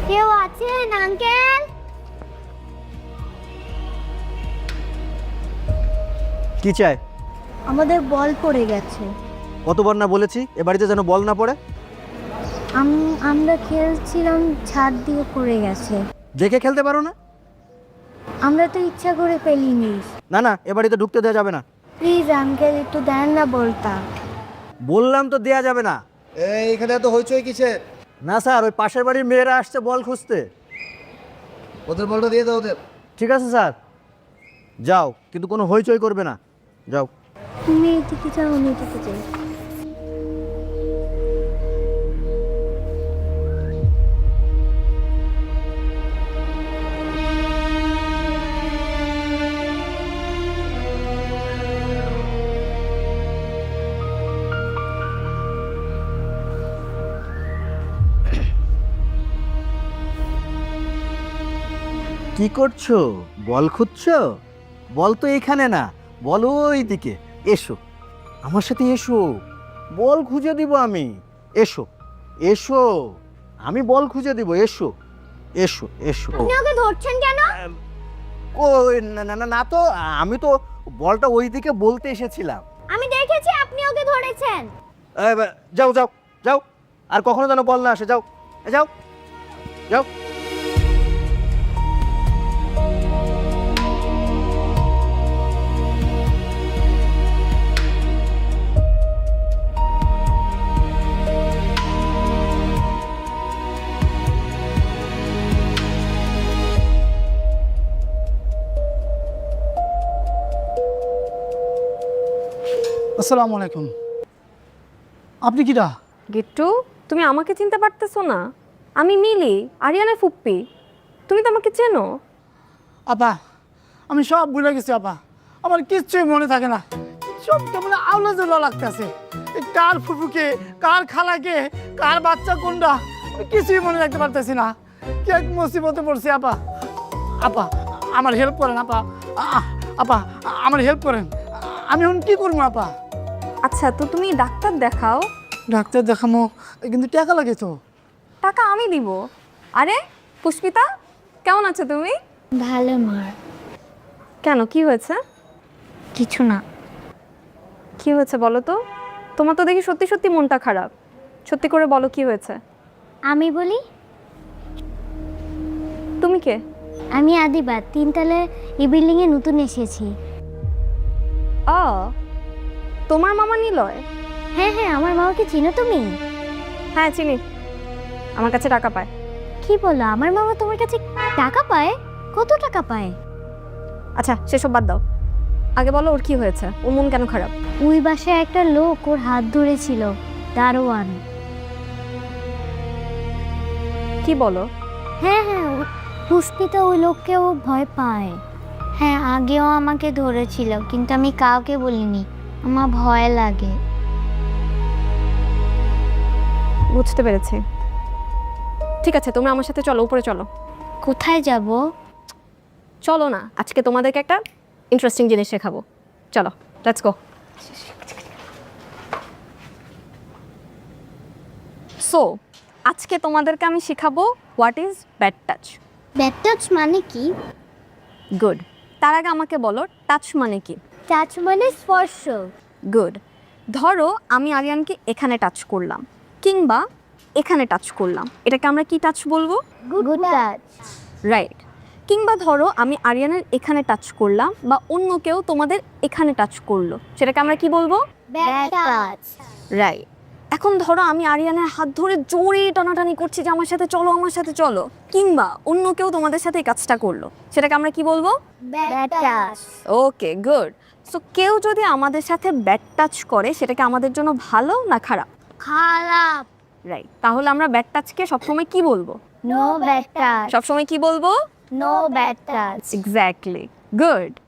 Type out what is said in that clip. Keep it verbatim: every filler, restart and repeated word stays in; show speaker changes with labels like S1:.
S1: কেউ আছেন আঙ্কেল?
S2: কি চাই?
S1: আমাদের বল পড়ে গেছে।
S2: কতবার না বলেছি এ বাড়িতে যেন বল না পড়ে।
S1: আম- আমরা খেলছিলাম, ছাদ দিয়ে পড়ে গেছে।
S2: দেখে খেলতে পারো না?
S1: আমরা তো ইচ্ছা করে ফেলিনি।
S2: না না, এ বাড়িতে ঢুকতে দেওয়া যাবে না।
S1: প্লিজ আঙ্কেল, একটু দেন না বলতা।
S2: বললাম তো দেয়া যাবে না।
S3: এই এখানে এত হইচই কিসের?
S2: না স্যার, ওই পাশের বাড়ির মেয়েরা আসছে বল খুঁজতে।
S3: ওদের বলটা দিয়ে দাও ওদের।
S2: ঠিক আছে স্যার, যাও, কিন্তু কোনো হইচই করবে না। যাও।
S1: তুমি এদিকে যাও, আমি এদিকে যাই।
S2: কি করছো? বল খুঁজছো? বল তো এখানে না, বল ওই দিকে। এসো আমার সাথে, এসো, বল খুঁজে দিব আমি। এসো এসো, আমি বল খুঁজে দিব। এসো এসো এসো।
S1: আপনি ওকে ধরছেন কেন?
S2: ওই না না না না, তো আমি তো বলটা ওই দিকে বলতে এসেছিলাম।
S1: আমি দেখেছি আপনি ওকে ধরেছেন।
S2: এই বা- যাও যাও যাও, আর কখনো যেন বল না আসে। যাও এ যাও যাও।
S4: আসসালামু আলাইকুম। আপনি কিরা?
S5: গিট্টু, তুমি আমাকে চিনতে পারতেছো না? আমি মিলি, আরিয়ানের ফুপ্পি। তুমি তো আমাকে চেনো।
S4: আপা, আমি সব ভুলে গেছি আপা। আমার কিচ্ছুই মনে থাকে না। সব কেমন আউলা জোলা লাগতেছে। কার ফুফুকে, কার খালাকে, কার বাচ্চা কোনটা, আমি কিছুই মনে রাখতে পারতেছি না। কি এক মুসিবতে পড়ছি আপা। আপা আমার হেল্প করেন আপা। আ- আপা আমার হেল্প করেন। আমি এখন কি করবো আপা?
S5: আচ্ছা, তো তুমি ডাক্তার দেখাও।
S4: ডাক্তার দেখামো, কিন্তু টাকা লাগে তো।
S5: টাকা আমি দিব। আরে পুষ্পিতা, কেমন আছো তুমি?
S1: ভালো মার।
S5: কেন, কি হয়েছে?
S1: কিছু না।
S5: কি হয়েছে বলো তো? তোমার তো দেখি সত্যি সত্যি মনটা খারাপ। সত্যি করে বলো কি হয়েছে।
S1: আমি বলি,
S5: তুমি কে?
S1: আমি আদিবা, তিনতলা এই বিল্ডিং এ নতুন এসেছি।
S5: আ, তোমার মামা নিলয়?
S1: হ্যাঁ হ্যাঁ, আমার মামাকে চিনো তুমি?
S5: হ্যাঁ চিনি, আমার কাছে টাকা পায়।
S1: কি বলো, আমার মামা তোমার কাছে টাকা পায়? কত টাকা পায়?
S5: আচ্ছা সেসব বাদ দাও, আগে বলো ওর কি হয়েছে, ওর মন কেন খারাপ?
S1: ওই বাসায় একটা লোক ওর হাত ধরেছিল, দারোয়ান।
S5: কি বলো?
S1: হ্যাঁ হ্যাঁ, ও- পুষ্পিতা ওই লোককে ও ভয় পায়। হ্যাঁ, আগেও আমাকে ধরেছিল, কিন্তু আমি কাউকে বলিনি, আমার ভয় লাগে।
S5: বুঝতে পেরেছি। ঠিক আছে, তোমরা আমার সাথে চলো, উপরে চলো।
S1: কোথায় যাব?
S5: চলো না, আজকে তোমাদেরকে একটা ইন্টারেস্টিং জিনিস শেখাবো। চলো, লেটস গো। সো আজকে তোমাদেরকে আমি শেখাবো what is bad touch.
S1: Bad touch মানে কি?
S5: গুড। তার আগে আমাকে বলো টাচ মানে কি?
S1: টাচ মানে স্পর্শ।
S5: গুড। ধরো আমি আরিয়ানকে এখানে টাচ করলাম কিংবা এখানে টাচ করলাম, এটাকে আমরা কি টাচ বলবো?
S1: Good touch.
S5: রাইট। কিংবা ধরো আমি আরিয়ানের এখানে টাচ করলাম বা অন্য কেউ তোমাদের এখানে টাচ করলো, সেটাকে আমরা কি বলবো?
S1: Bad touch.
S5: রাইট। এখন ধরো আমি আরিয়ানের হাত ধরে জোরে টানাটানি করছি যে আমার সাথে চলো, আমার সাথে চলো, কিংবা অন্য কেউ তোমাদের সাথে এই কাজটা করলো, সেটাকে আমরা কি বলবো?
S1: Bad touch.
S5: Okay good. So কেউ যদি আমাদের সাথে ব্যাড টাচ করে সেটাকে আমাদের জন্য ভালো না খারাপ?
S1: খারাপ।
S5: রাইট। তাহলে আমরা ব্যাড টাচকে সবসময় কি বলবো?
S1: No bad touch.
S5: সবসময় কি বলবো?
S1: No bad touch.
S5: Exactly. Good.